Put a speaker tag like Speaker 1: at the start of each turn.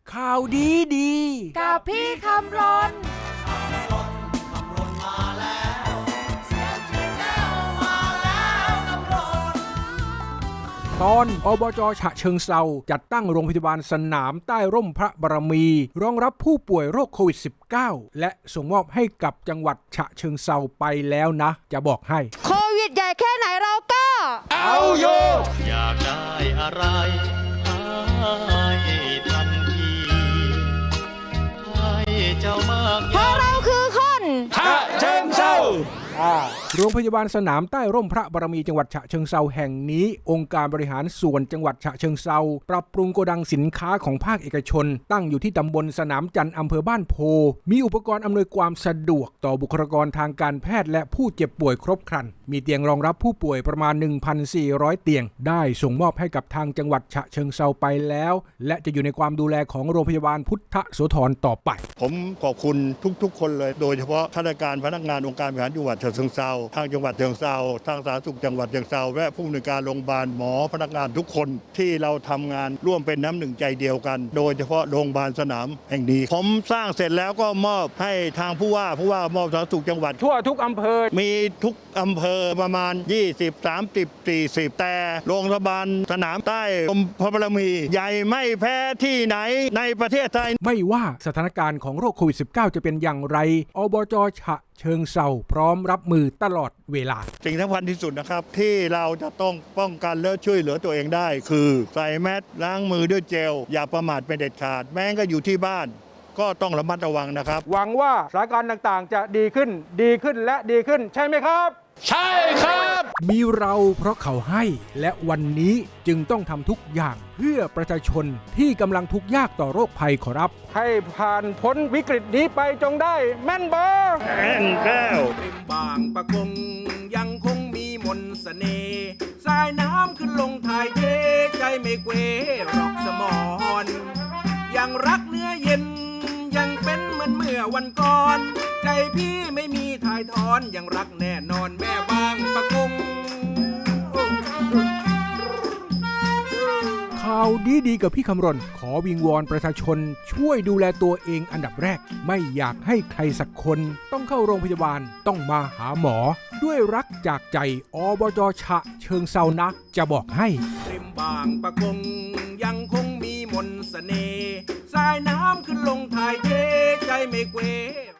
Speaker 1: ข่าวดี
Speaker 2: กับพี่คำรน
Speaker 1: ตอนอบจ.ฉะเชิงเทราจัดตั้งโรงพยาบาลสนามใต้ร่มพระบารมีรองรับผู้ป่วยโรคโควิด -19 และส่งมอบให้กับจังหวัดฉะเชิงเทราไปแล้วนะจะบอกให้
Speaker 2: โควิดใหญ่แค่ไหนเราก็
Speaker 1: เอาอยู่
Speaker 3: อยากได้อะไรให้ทันทีให้เจ้ามาก
Speaker 2: เพราะเราคือคน
Speaker 1: ฉะเชิงเทราโรงพยาบาลสนามใต้ร่มพระบารมีจังหวัดฉะเชิงเทราแห่งนี้องค์การบริหารส่วนจังหวัดฉะเชิงเทราปรับปรุงโกดังสินค้าของภาคเอกชนตั้งอยู่ที่ตำบลสนามจันทร์อำเภอบ้านโพมีอุปกรณ์อำนวยความสะดวกต่อบุคลากรทางการแพทย์และผู้เจ็บป่วยครบครันมีเตียงรองรับผู้ป่วยประมาณ 1,400 เตียงได้ส่งมอบให้กับทางจังหวัดฉะเชิงเทราไปแล้วและจะอยู่ในความดูแลของโรงพยาบาลพุทธโสธรต่อไป
Speaker 4: ผมขอบคุณทุกๆคนเลยโดยเฉพาะข้าราชการพนักงานองค์การบริหารจังหวัดฉะเชิงเทราทางจังหวัดฉะเชิงเทราทางสาธารณสุขจังหวัดฉะเชิงเทราและผู้อำนวยการโรงพยาบาลหมอพนักงานทุกคนที่เราทำงานร่วมเป็นน้ำหนึ่งใจเดียวกันโดยเฉพาะโรงพยาบาลสนามแห่งนี้ผมสร้างเสร็จแล้วก็มอบให้ทางผู้ว่ามอบสาธารณสุขจังหวัด
Speaker 1: ทั่วทุกอำเภอ
Speaker 4: มีทุกอำเภอประมาณ20 30 40แต่โรงพยาบาลสนามใต้ร่มพระบารมีใหญ่ไม่แพ้ที่ไหนในประเทศไทย
Speaker 1: ไม่ว่าสถานการณ์ของโรคโควิด -19 จะเป็นอย่างไรอบจ.ฉะเชิงเทราพร้อมรับมือตลอดเวลา
Speaker 4: สิ่งสำคัญที่สุดนะครับที่เราจะต้องป้องกันและช่วยเหลือตัวเองได้คือใส่แมสล้างมือด้วยเจลอย่าประมาทเป็นเด็ดขาดแม้ก็อยู่ที่บ้านก็ต้องระมัดระวังนะครับ
Speaker 1: หวังว่าสถานการณ์ต่างๆจะดีขึ้นและดีขึ้นใช่ไหมครับ
Speaker 4: ใช่ครับ
Speaker 1: มีเราเพราะเขาให้และวันนี้จึงต้องทำทุกอย่างเพื่อประชาชนที่กำลังทุกข์ยากต่อโรคภัยขอรับให้ผ่านพ้นวิกฤตนี้ไปจงได้แม่นบ่
Speaker 4: แม่นแก้ว
Speaker 1: ริมบางปะกงยังคงมีมนต์เสน่ห์สายน้ำขึ้นลงถ่ายเทใจไม่เกวรอกสมอนยังรักเนื้อเย็นยังเป็นเหมือนเมื่อวันก่อนใจพี่ไม่มีถ่ายถอนยังรักแน่นอนแม่บางปะกงข่าวดีกับพี่คำรณขอวิงวอนประชาชนช่วยดูแลตัวเองอันดับแรกไม่อยากให้ใครสักคนต้องเข้าโรงพยาบาลต้องมาหาหมอด้วยรักจากใจอบจ.ฉะเชิงเทรานะจะบอกให้ริมบางปะกงยังคงมีมนต์เสน่ห์สายน้ำขึ้นลงถ่ายเทใจไม่เกว